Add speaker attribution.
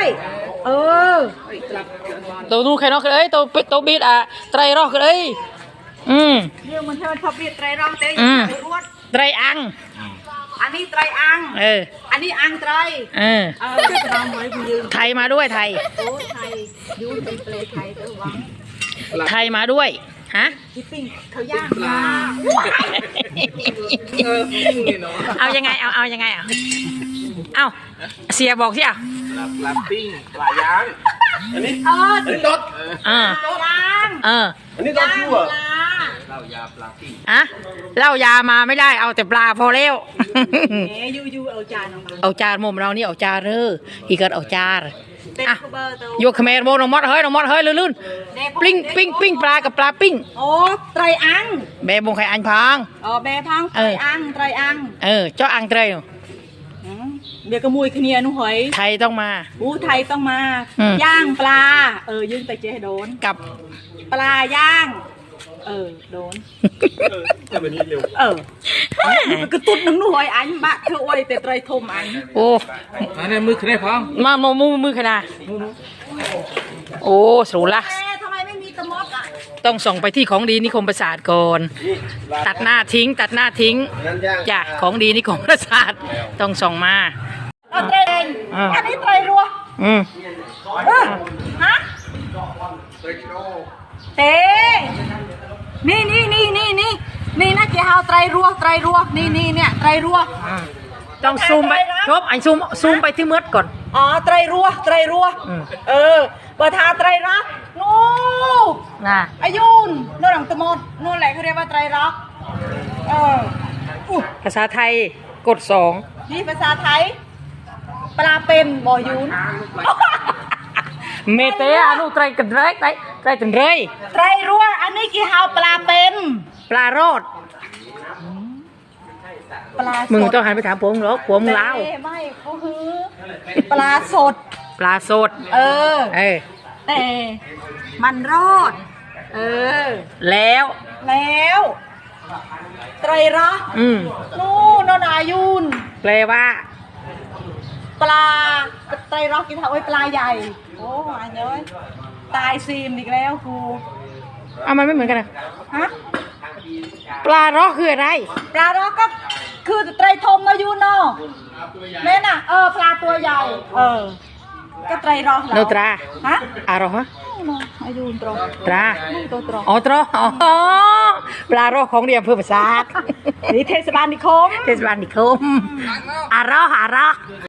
Speaker 1: เออ
Speaker 2: ตัวนู้นใครนอกเลยตัวบีดไตรรอกเลย
Speaker 1: เรื่องมันเท่าทบีดไตรรองเต้
Speaker 2: ไตรอัง
Speaker 1: อันนี้ไตรอังอันนี้อังไตร
Speaker 2: ไทยมาด้วยไทย
Speaker 1: โอ้ไทยยูเป็นเปลไทยตัววัง
Speaker 2: ไทยมาด้วยฮะ
Speaker 1: ที่ปิ้งเขาย่างมา
Speaker 2: เอายังไงเอายังไงเอาเสียบอกสิ
Speaker 3: ปลาปิ้งปลาย่างอันนี้ตด
Speaker 1: ย่าง
Speaker 3: อันนี้ตดชั่วเหล้ายาปลาปิ้ง
Speaker 2: เหล้ายามาไม่ได้เอาแต่ปลาพอแล้ว
Speaker 1: ยูเอาจานออกมา
Speaker 2: เอาจานมุมเรานี่เอาจานอีกก็เอาจานยกขมรโมน้องมดเฮ้ยลื่นปิ้งปลากับปลาปิ้ง
Speaker 1: โอ้ไตรอัง
Speaker 2: แม่บงไข่อันพัง
Speaker 1: แม่พังไตรอัง
Speaker 2: เจ้าอังไตร
Speaker 1: เดี๋ยวกระมุยขี้เนียนุ่หอย
Speaker 2: ไทยต้องมา
Speaker 1: ไทยต้องมาย่างปลายืนไปเจ๊โดน
Speaker 2: กับ
Speaker 1: ปลาย่างโดน
Speaker 3: จะเป็นนี้เร็ว
Speaker 1: กระตุ้นหนังนุ่หอยอันบะเธอไว้แต่ไตรทมอัน
Speaker 2: โอ้
Speaker 3: อันนี้มือขนาดพัง
Speaker 2: มามือขนาดโอ้สูละ
Speaker 1: ทำไมไม่มีตะมด
Speaker 2: ต้องส่งไปที่ของดีนิคมประสาทก่อนตัดหน้าทิ้งจ้ะของดีนิคมประสาทต้องส่งมา
Speaker 1: ไตรเองอันนี้ไตรรัวฮะเต้นี่นะเจ้าไตรรัวนี่เนี่ยไตรรัว
Speaker 2: ต้องซูมไปครบซูมไปที่มืดก่อน
Speaker 1: ไตรรัวเบอร์ทาไตรรักนู่
Speaker 2: น
Speaker 1: อายุนโน่นหลังตะมดนู่นแหละเขาเรียกว่าไตรรัก
Speaker 2: ภาษาไทยกด2
Speaker 1: นี่ภาษาไทยปลาเป็นบ่อยุน
Speaker 2: เมเตอนุไตรกันไรไตรกันไร
Speaker 1: ไตรรัวอันนี้กี่เฮาปลาเป็น
Speaker 2: ปลารอดมึงต้องหันไปถามผมหรอผมลาว
Speaker 1: ไม่เขาคือปลาสดแต่มันรอด
Speaker 2: แล้ว
Speaker 1: ไตรรักนู่นนายุน
Speaker 2: แปลว่า
Speaker 1: ปลาไตรรักกินเท่าไอ้ปลาใหญ่โอ้อันเย้ยตายซีมอีกแล้วครู
Speaker 2: มันไม่เหมือนกัน
Speaker 1: ฮะ
Speaker 2: ปลารอกคืออะไร
Speaker 1: ปลารอกก็คือไตรทมนายุนเนาะแม่น่ะปลาตัวใหญ่ก็ไตรรอก
Speaker 2: โนตรา
Speaker 1: ฮะ
Speaker 2: รอฮะ
Speaker 1: อายุนตร
Speaker 2: ตรา
Speaker 1: ตัวตร
Speaker 2: ปลารอกของเรียมเพื่อภาษา
Speaker 1: นี่เทศบาลนิคม
Speaker 2: อารอ